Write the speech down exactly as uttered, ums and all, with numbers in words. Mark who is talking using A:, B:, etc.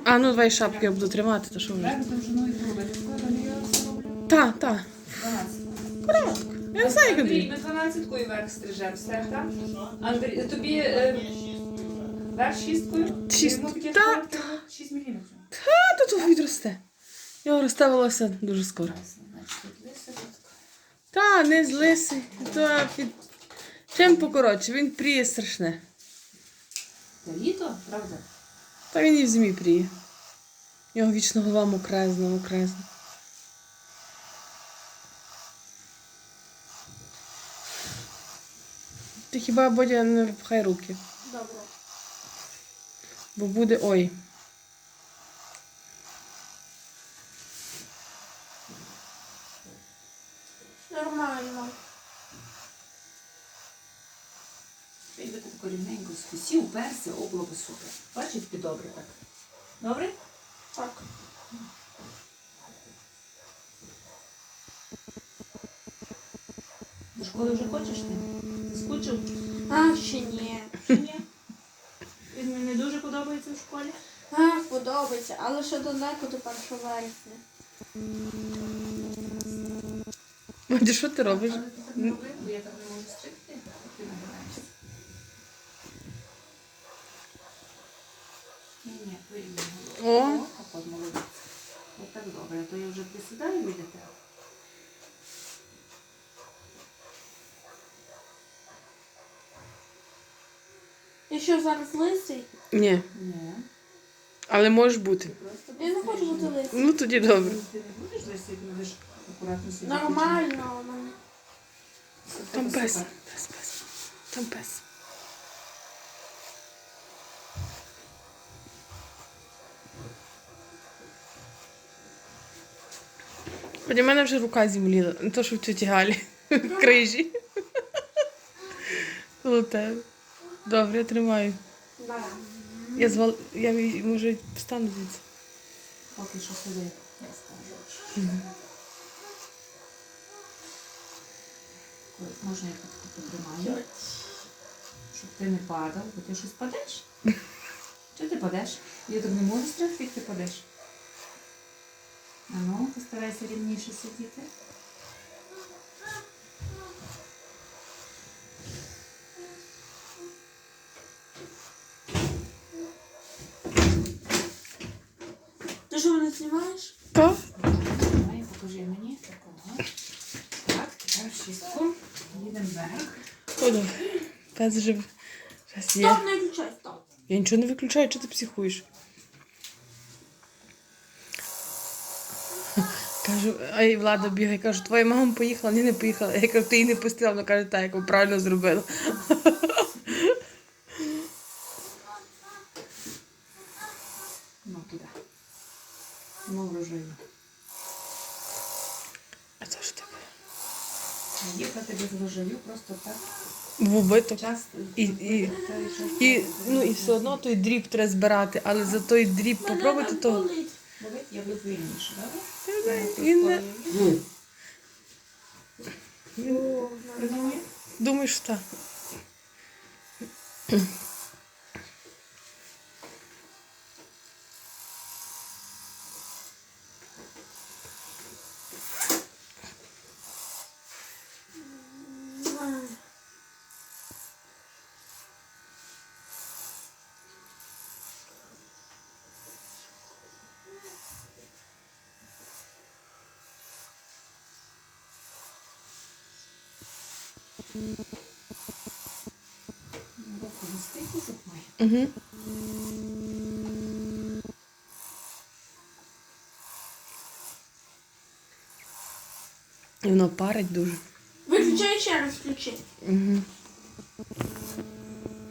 A: А, ну давай шапки я буду тримати, то що вже. Так, так. Коротко. Я не знаю, як
B: Андрій,
A: Андрій.
B: ми дванадцяткою верх стрижемо, все, так? Андрій, тобі е, верх шісткою?
A: Шість.
B: Йому таке
A: Та,
B: шкода треба шість міліметрів.
A: А тут відросте. Його росте волосся дуже скоро.
B: Значить, тут лиса, тут.
A: Та, не з лисий. То під... Чим покоротше, він пріє страшне.
B: Та літо, правда?
A: Та він і в зимі пріє. У нього вічно голова мокрезна, мокрезна. Ти хіба, Бодя, не випхай руки.
C: Добре.
A: Бо буде ой.
C: Нормально.
B: Якби ти тако рівненько скусів, уперся, о, було би супер. Бачиш, ти добре так. Добре?
C: Так.
B: До школи вже хочеш ти? Ти скучив?
C: А, ще ні.
B: Чи ні? Він мені не дуже подобається в школі.
C: А, подобається, але ще далеко до першого вересня.
A: Бодя, що ти робиш?
B: Але ти так не роби, бо я так не можу стригти, як ти набираєшся. Ні, ні, порівняно.
A: О.
B: О, от молодець. От так добре, а то я вже присідаю біля тебе.
C: І що, зараз лисий?
A: Ні.
B: Ні.
A: Але можеш бути.
B: Ти просто
C: Я не хочу бути лисий.
A: Ну тоді добре.
B: Ти не будеш лисий, ти будеш акуратно сидіти.
C: Нормально у мене.
A: Там пес. Пес, пес. Там пес. Хоч у мене вже рука зімліла. Не то, що в тіті Галі. В крижі. Коло тебе. Добре, я тримаю.
C: Да.
A: Я звал... Я може встану звідси.
B: Поки що сиди, я скажу. Ой, можна я тут потримаю, щоб ти не падав, бо ти щось падеш. Чого ти падеш? Я так не можу стригти, як ти падеш. А ну, постарайся рівніше сидіти.
C: Ти що, мене знімаєш?
A: Так?
B: Давай, покажи мені такого. Так, тепер шістку. Їдемо вверх.
A: О, добре. Пес вже зараз є.
C: Стоп, не включай, стоп.
A: Я нічого не виключаю, чи ти психуєш? Кажу, а і Влада бігає, кажу, твоя мама поїхала, ні, не поїхала. Я кажу, ти її не пустила, вона каже, так, як ви правильно зробила.
B: Ну, туди. Ну, врожаю.
A: А це ж таке?
B: Їхати без врожаю просто так.
A: В убиток.
B: Часто.
A: І, і, і, ну, і все одно той дріб треба збирати, але за той дріб попробуйте
C: Мене
A: то.
C: так болить.
B: Болить, я буду вільніше, добре?
A: Він не...
C: О, нормально.
A: Думаю, що так.
B: Руку застигли, зуб має.
A: Угу. І воно парить дуже.
C: Виключай ще раз включи.
A: Угу.